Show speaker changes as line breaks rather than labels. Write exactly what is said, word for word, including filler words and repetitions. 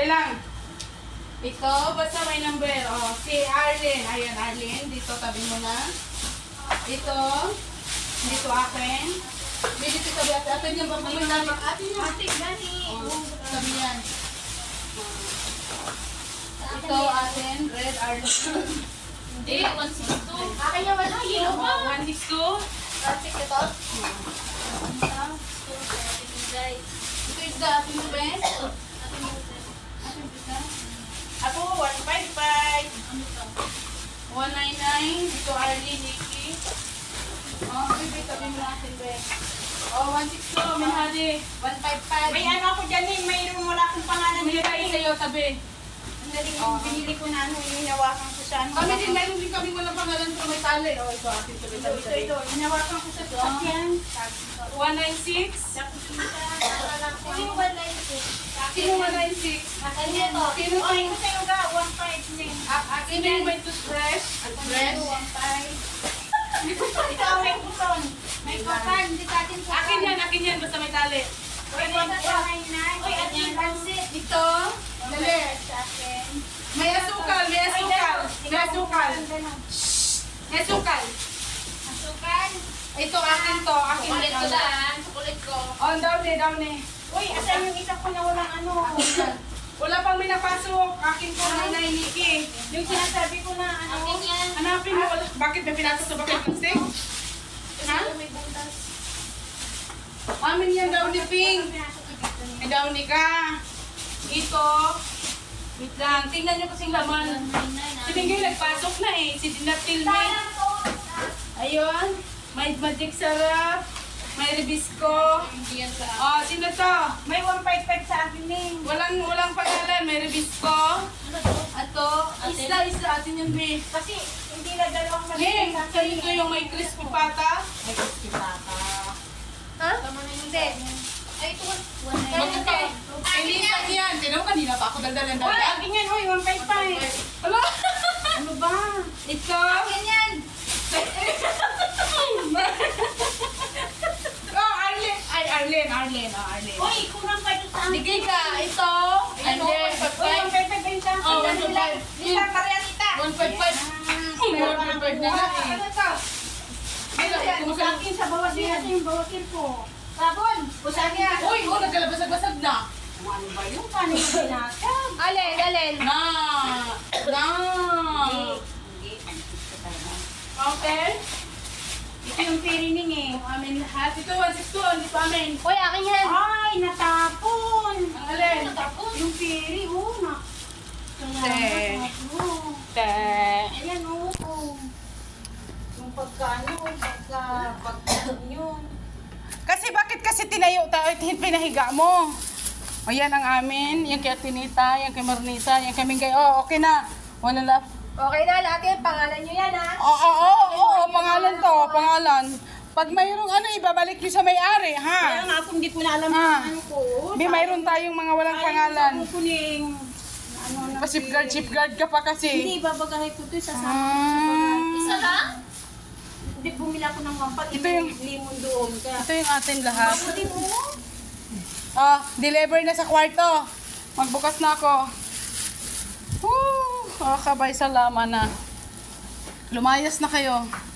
Sandali lang. Ito, basta may number. Oh, si Arlene. Ayan, Arlene. Dito, tabi mo na. Ito. Dito akin. Dito tabi atin. Atin yung papay namin. Atin yung.
Ate, gani.
Oh, tabi yan. Ito, atin. Red, Arlene.
Hindi, one six two. Akin yung wala, yellow ba?
one six two.
Plastic ito?
Ito is the atin yung best. Atin yung best. Ako, one five five. one nine nine. Ito, Arlene, Nikki. Oh, baby, tabi mo natin, best. Oh, one six two, Minhadi. one five five.
May ano ako dyan eh, mayroon wala akong pangalan
May
dyan
tayo
eh.
sa'yo, tabi.
Ang daling yung binili ko na ano, yung hinawakan ko sa ano.
Kami din, meron din kami walang pangalan pero may tali. Oh, ito, atin tabi,
Ito,
tabi,
ito,
tabi.
ito. Hinawakan ko sa sasakyan.
one nine six.
Yung one nine six.
Sino one nine six?
Akin ito.
Sino
Oh,
yung,
ito sa'yo ga, one five din.
sino yung may toothbrush? Toothbrush?
one five. Ito ang may kuton. May kuton, hindi sa atin kuton.
Akin yan, akin yan, basta may tali.
Uy, one five nine.
Uy, at yung pansit.
Ito, dali.
Sa akin.
May asukal, may asukal. May asukal. May asukal.
Asukan.
Ito, akin to, akin
Chocolate ko
to.
daan. Chocolate ko.
Oh, down eh, down eh.
Uy, asan yung isa ko na walang ano?
Wala pang may napasok. Akin to, Nanay Nikki.
Yung sinasabi ko na ano?
Akin yan.
Hanapin mo, wala- bakit may pinasok sa bakit ng steak? Ha?
May butas.
Amin yan, daw ni Ping. May daw ni ka. Ito. Wait lang, tingnan nyo kasing laman. Si Pingay nagpasok na eh. Si Dinatil May. Ayun. May magic sarap. May ribisco.
Hindi yan sa
Oh, sino to?
May one five five sa akin eh.
Walang, walang pangalan. May ribisco.
ano to?
Ato. Isla, isla. Atin yung beef.
Kasi hindi na dalawang
Hey,
maliit sa
so
akin.
ito yung may crispy pata.
May crispy pata.
Ha?
Tama na yung
Hindi. Ay, ito. One nine
Bakit ka? Elisan yan. Sino kanina pa ako daldalan
Uy,
daldalan.
akin yan. Uy, one five five.
Ano?
Ano ba?
Ito.
Akin yan.
Oh, Arlene. Ay, Arlene, Arlene. Oh, Arlene.
Uy, kurang pa ito sa akin.
Sige ka, ito. And then,
Uy, one five five din sa akin.
Oh, one five five.
Lita, pareha nita.
one five five.
Pero
one five five na
Wow,
nga eh.
ano ito?
Ay,
Sa
kumusta?
akin sa bawasin natin yung bawasin ko. Sabon. Usahin yan.
Uy, oh, nagkalabasag-basag na.
Ano ba yung paano yung binasag?
Alin, alin.
Na. Na.
Hindi.
Okay.
Ito yung pirining eh.
Amin lahat. Ito, one six two. Hindi pa amin.
Uy, akin yan.
Ay, natapon.
Ang alin.
Yung piri, oh, na.
Te.
Oh.
Te.
Ayan, oh. oh. Yung pagkaano, pagka, pagka yun.
Kasi bakit kasi tinayo tayo at pinahiga mo? O yan ang amin, yung kay Tinita, yung kay Marnita, yung kay Mingay. Oh, okay na. Wala na.
Okay na, lahat yan. Pangalan nyo yan, ha?
Oo, oo, oo, oo, pangalan to, pangalan. Pag mayroong ano, ibabalik nyo sa may-ari,
Kaya
ha?
nga ako hindi ko na alam
Ah.
kung ano ko.
Di, mayroon tayong mga walang pangalan.
Kukuning, ano na.
Pa-chip guard, chip guard ka pa kasi.
Hindi, babagahay ko ito sa sa.
Ah,
Isa lang?
Hindi, bumila ko ng wampat.
Ito yung-
limon doon. Kaya,
ito yung atin lahat.
mabuti mo.
Oh, deliver na sa kwarto. Magbukas na ako. Woo! Oh, kabay, salamat na. Lumayas na kayo.